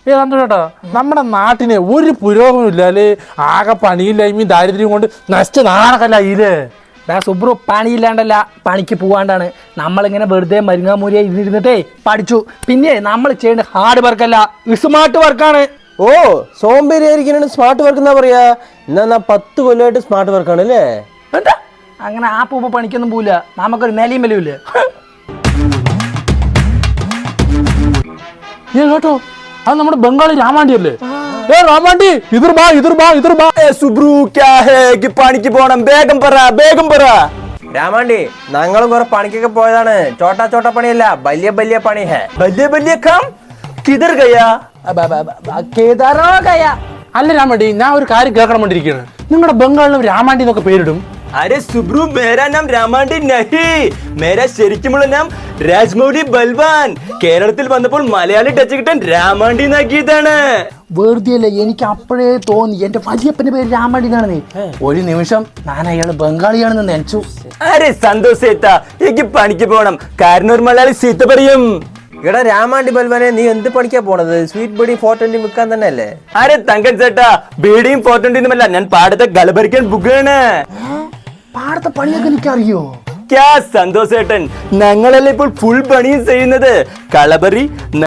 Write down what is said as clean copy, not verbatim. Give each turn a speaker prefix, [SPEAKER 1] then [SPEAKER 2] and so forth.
[SPEAKER 1] സന്തോഷേട്ടാ, നമ്മുടെ നാട്ടിന് ഒരു പുരോഗമനം ഇല്ലാല് ആകെ പണിയില്ലായ്മയും ദാരിദ്ര്യം കൊണ്ട് നശിച്ച നാണക്കല്ലായില്ലേ.
[SPEAKER 2] സുബ്രു പണിയില്ലാണ്ടല്ല, പണിക്ക് പോവാണ്ടാണ്. നമ്മളിങ്ങനെ വെറുതെ മരുങ്ങാമൂരിയെ ഇരുന്നിരുന്നിട്ടേ പഠിച്ചു. പിന്നെ നമ്മൾ ചെയ്യേണ്ട ഹാർഡ് വർക്കല്ല, സ്മാർട്ട് വർക്കാണ്.
[SPEAKER 3] ഓ, സോംബേരിയായിരിക്കാനാണ് സ്മാർട്ട് വർക്ക് എന്നാ പറയാ. എന്നാ 10 കൊല്ലമായിട്ട് സ്മാർട്ട് വർക്കാണ് അല്ലേ?
[SPEAKER 2] എന്താ അങ്ങനെ ആ പൂപ്പ പണിക്കൊന്നും പോവില്ല, നമുക്കൊരു നിലയും വിലയില്ല.
[SPEAKER 1] കേട്ടോ, അത് നമ്മുടെ ബംഗാളി രാമാണ്ടി അല്ലേ? രാമാണ്ടി
[SPEAKER 3] സുബ്രു ക്യാ ഹേ കി പണിക്ക് പോണം, വേഗം പറ. രാമാണ്ടി, ഞങ്ങളും കുറെ പണിക്കൊക്കെ പോയതാണ്. ചോട്ടാ പണിയല്ല, വലിയ പണി ഹേ. വലിയ കാം കിധർ ഗയാ?
[SPEAKER 2] കേദാറോ ഗയാ?
[SPEAKER 1] അല്ല രാമാണ്ടി, ഞാൻ ഒരു കാര്യം കേൾക്കണം വേണ്ടിയിരിക്കുകയാണ്. നിങ്ങളുടെ ബംഗാളിലും രാമാണ്ടി എന്നൊക്കെ പേരിടും.
[SPEAKER 3] അരെ സുബ്രു, മേരാ നാം രാമാണ്ടി നഹി, മേരാ ശരിക്കുമുള്ള നാം രാജ്മൗലി ബൽവാൻ. കേരളത്തിൽ വന്നപ്പോൾ മലയാളി ടച്ച് കിട്ടാൻ രാമാണ്ടി എന്നാക്കിയതാണ്.
[SPEAKER 2] വെറുതെ അല്ലേ, എനിക്ക് അപ്പോഴേ തോന്നി എന്റെ വലിയപ്പന്റെ പേര് രാമാണ്ടി എന്നാണ്. ഒരു നിമിഷം ഞാൻ അയാള് ബംഗാളിയാണെന്ന് നനച്ചു.
[SPEAKER 3] അരെ സന്തോഷ് സേത്ത, എനിക്ക് പണിക്ക് പോണം. കാരണം ഒരു മലയാളി സീത്ത പറയും. എടാ രാമാണ്ടി ബൽവാനെ, നീ എന്ത് പണിക്കാ പോണത്? സ്വീറ്റ് ബീഡിയും 420 വിൽക്കാൻ തന്നെ അല്ലേ? അരെ തങ്കൻ ചേട്ടാ, ബീഡിയും 420 ഞാൻ പാടത്തെ ഗലഭരിക്കാൻ ബുക്കാണ്.
[SPEAKER 2] പാടത്തെ പണിയൊക്കെ എനിക്കറിയോ?
[SPEAKER 3] സന്തോഷ് ചേട്ടൻ, ഞങ്ങളല്ലേ ഇപ്പോൾ ഫുൾ പണിയും ചെയ്യുന്നത്. കളബറി